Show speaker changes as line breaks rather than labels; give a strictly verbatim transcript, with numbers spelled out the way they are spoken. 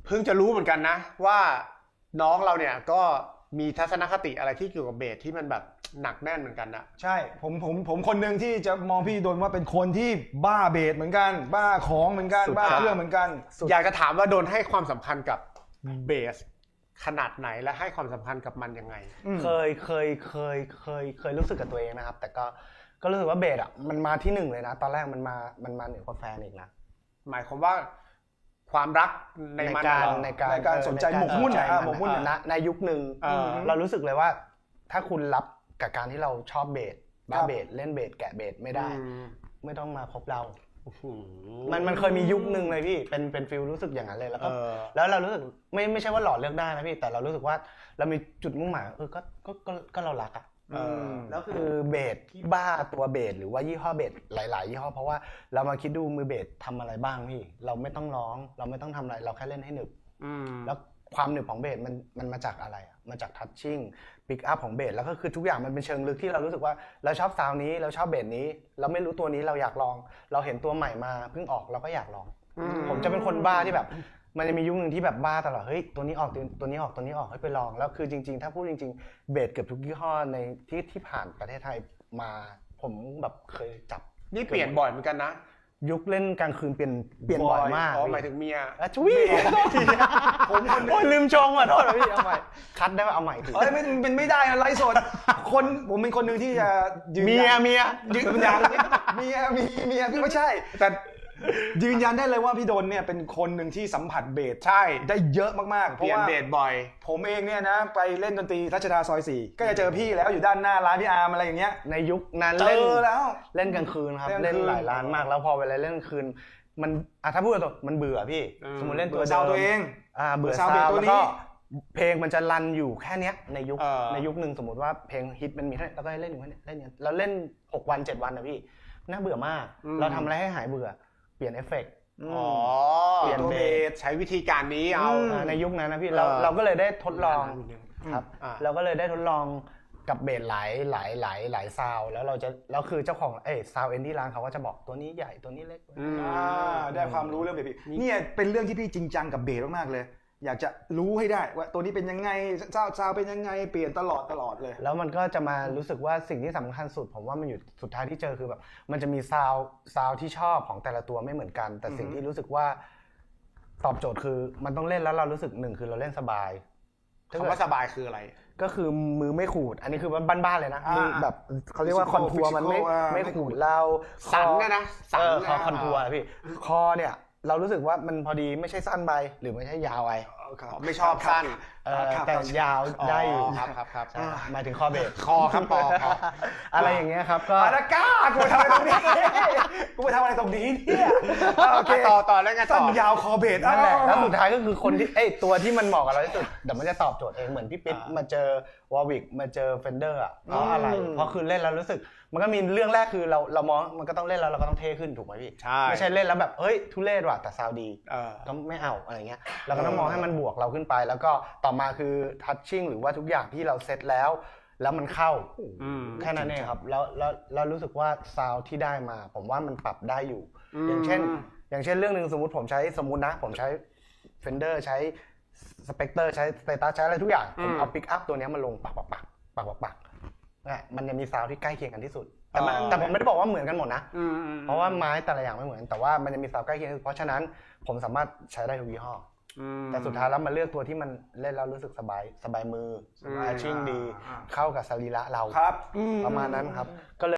เพิ่งจะรู้เหมือนกันนะว่าน้องเราเนี่ยก็มีทัศนคติอะไรที่เกี่ยวกับเบสที่มันแบบหนักแน่นเหมือนกันนะ
ใช่ผมผมผมคนหนึ่งที่จะมองพี่โดนว่าเป็นคนที่บ้าเบสเหมือนกันบ้าของเหมือนกันบ้าเครื่องเหมือนกัน
อยากจะถามว่าโดนให้ความสำคัญกับเบสขนาดไหนและให้ความสำคัญกับมันยังไง
เคยเคยเคยเคยเคยรู้สึกกับตัวเองนะครับแต่ก็ก็รู้สึกว่าเบสอ่ะมันมาที่หนึ่งเลยนะตอนแรกมันมามันมาเหนือกว่าแฟนอีกนะ
หมายความว่าความรักในมัน
ในการ
ในการสนใจหมกมุ่นนะหมกมุ่น
นะในยุคหนึ่งเรารู้สึกเลยว่าถ้าคุณรับกับการที่เราชอบเบสบ้าเบสเล่นเบสแกะเบสไม่ได้ไม่ต้องมาคบเรามันมันเคยมียุคหนึ่งเลยพี่เป็นเป็นฟิลรู้สึกอย่างนั้นเลยแล้วก็แล้วเรารู้สึกไม่ไม่ใช่ว่าหล่อเลือกได้นะพี่แต่เรารู้สึกว่าเรามีจุดมุ่งหมายเออก็ก็ก็ก็เรารักอ่ะแล้วคือเบสที่บ้าตัวเบสหรือว่ายี่ห้อเบสหลายๆยี่ห้อเพราะว่าเรามาคิดดูมือเบสทำอะไรบ้างพี่เราไม่ต้องร้องเราไม่ต้องทำอะไรเราแค่เล่นให้หนึบแล้วความหนึบของเบสมันมันมาจากอะไรมาจากทัชชิ่งปิกอัพของเบสแล้วก็คือทุกอย่างมันเป็นเชิงลึกที่เรารู้สึกว่าเราชอบซาวน์นี้เราชอบเบสนี้เราไม่รู้ตัวนี้เราอยากลองเราเห็นตัวใหม่มาเพิ่งออกเราก็อยากลองผมจะเป็นคนบ้าที่แบบมันจะมียุคหนึ่งที่แบบบ้าตลอดเฮ้ยตัวนี้ออกตัวนี้ออกตัวนี้ออกให้ไปลองแล้วคือจริงๆถ้าพูดจริงๆเบสเกือบทุกยี่ห้อในที่ที่ผ่านประเทศไทยมาผมแบบเคยจับ
นี่เปลี่ยนบ่อยเหมือนกันนะ
ยุคเล่นกลางคืนเปลี่ยนเปลี่ยนบ่อยมาก
อ๋อหมายถึงเมีย
จุ้ยผมโอ้ยลืมชงอ่ะโทษพี่เอาใหม่คัดได้ป่ะเอาใหม่ที
เฮ้ยมันเป็นไม่ได้นะไลฟ์สดคนผมเป็นคนหนึ่งที่จะ
เมียเมีย
ยืนยันเมียมีเมียไม่ใช่แต่ยืนยันได้เลยว่าพี่ดนเนี่ยเป็นคนหนึ่งที่สัมผัสเบส
ใช่
ได้เยอะมากๆ
เพราะว่าเบสบ่อย
ผมเองเนี่ยนะไปเล่นดนตรีรัชดาซอยสี่ก็จะเจอพี่แล้วอยู่ด้านหน้าร้านพี่อาร์มอะไรอย่างเงี้ย
ในยุคนั้น
เล่นแล้ว
เล่นกลางคืนครับเล่นหลายร้านมากแล้วพอเวลาเล่นกลางคืนมันอ่ะถ้าพูดตรงมันเบื่อพี่สมมติเล่นตัวเดิม
ตัวเอง
อ่าเบื่อซาวด์แล้วก็เพลงมันจะรันอยู่แค่เนี้ยในยุคในยุคนึงสมมติว่าเพลงฮิตมันมีเท่าแล้วก็เล่นอยู่แค่นี้เล่นแล้วเล่นหกวันเจ็ดวันนะพี่น่าเบื่อมากเราทำอะไรให้หายเบื่อเปลี่ยนเอฟเฟกต์
อ๋อ
เปลี่ยนเบส
ใช้วิธีการนี้เอา
ในยุคนั้นนะพี่เราเราก็เลยได้ทดลองครับเราก็เลยได้ทดลองกับเบสหลายหลายหลายหลายซาวแล้วเราจะแล้วคือเจ้าของเอ้ซาวเอ็นที่ร้านเขาก็จะบอกตัวนี้ใหญ่ตัวนี้เล็ก
อ่าได้ความรู้เรื่องเบสเนี่ยเป็นเรื่องที่พี่จริงจังกับเบสมากๆเลยอยากจะรู้ให้ได้ว่าตัวนี้เป็นยังไงซาวซาวเป็นยังไงเปลี่ยนตลอดตลอดเลย
แล้วมันก็จะมารู้สึกว่าสิ่งที่สำคัญสุดผมว่ามันอยู่สุดท้ายที่เจอคือแบบมันจะมีซาวซาวที่ชอบของแต่ละตัวไม่เหมือนกันแต่สิ่งที่รู้สึกว่าตอบโจทย์คือมันต้องเล่นแล้วเรารู้สึกหนึ่งคือเราเล่นสบาย
คำว่าสบายคืออะไร
ก็คือมือไม่ขูดอันนี้คือบ้านๆเลยนะมือแบบเขาเรียกว่าคอนทัวร์มันไม่ไม่ขูดเรา
สันนะนะ
สันคอคอนทัวร์พี่คอเนี่ยเรารู้สึกว่ามันพอดีไม่ใช่สั้นไปหรือไม่ใช่ยาวไป
ไม่ชอบสั้น
แต่ยาวได้อยู่
ครับครับครับ
หมายถึงคอเบส
คอครับคอ
อะไรอย่างเงี้ยครับก็
อาก้ากูทำอะไรตรงนี้กูไปทำอะไรตรงนี้เนี่ย
โอเคต่อต่อแล้วไงต่
อยาวคอเบส
นั่นแหละแล้วสุดท้ายก็คือคนที่ไอ้ตัวที่มันเหมาะกับเราที่สุดเดี๋ยวมันจะตอบโจทย์เองเหมือนพี่ปิ๊ดมาเจอวอร์วิกมาเจอเฟนเดอร์อ่ะเพราะอะไรเพราะคือเล่นแล้วรู้สึกมันก็มีเรื่องแรกคือเราเรามองมันก็ต้องเล่นแล้วเราก็ต้องเท่ขึ้นถูกไหมพี่ไม่ใช่เล่นแล้วแบบเฮ้ยทุเรศว่ะแต่ซาวดีก็ไม่เอาอะไรเงี้ยเราก็ต้องมองให้มันบวกเราขึ้นไปแล้วก็ต่อมาคือทัชชิ่งหรือว่าทุกอย่างที่เราเซตแล้วแล้วมันเข้าแค่นั้นเองครับแล้วแล้วเรารู้สึกว่าซาวที่ได้มาผมว่ามันปรับได้อยู่อย่างเช่นอย่างเช่นเรื่องนึงสมมติผมใช้สมมตินะผมใช้ Fender ใช้ Spectre ใช้ Status ใช้อะไรทุกอย่างผมเอาปิกอัพตัวนี้มาลงปักปักปักปักปักปักมันจะมีซาวที่ใกล้เคียงกันที่สุดแต่แต่ผมไม่ได้บอกว่าเหมือนกันหมดนะเพราะว่าไม้แต่ละอย่างไม่เหมือนแต่ว่ามันจะมีซาวใกล้เคียงเพราะฉะนั้นผมสามารถใช้ได้ทุกยี่ห้อแต่สุดท้ายแล้วมาเลือกตัวที่มันเล่นแล้วรู้สึกสบายสบายมือแมชชิ่งดีเข้ากับสรีระเราประมาณนั้นครับก็เลย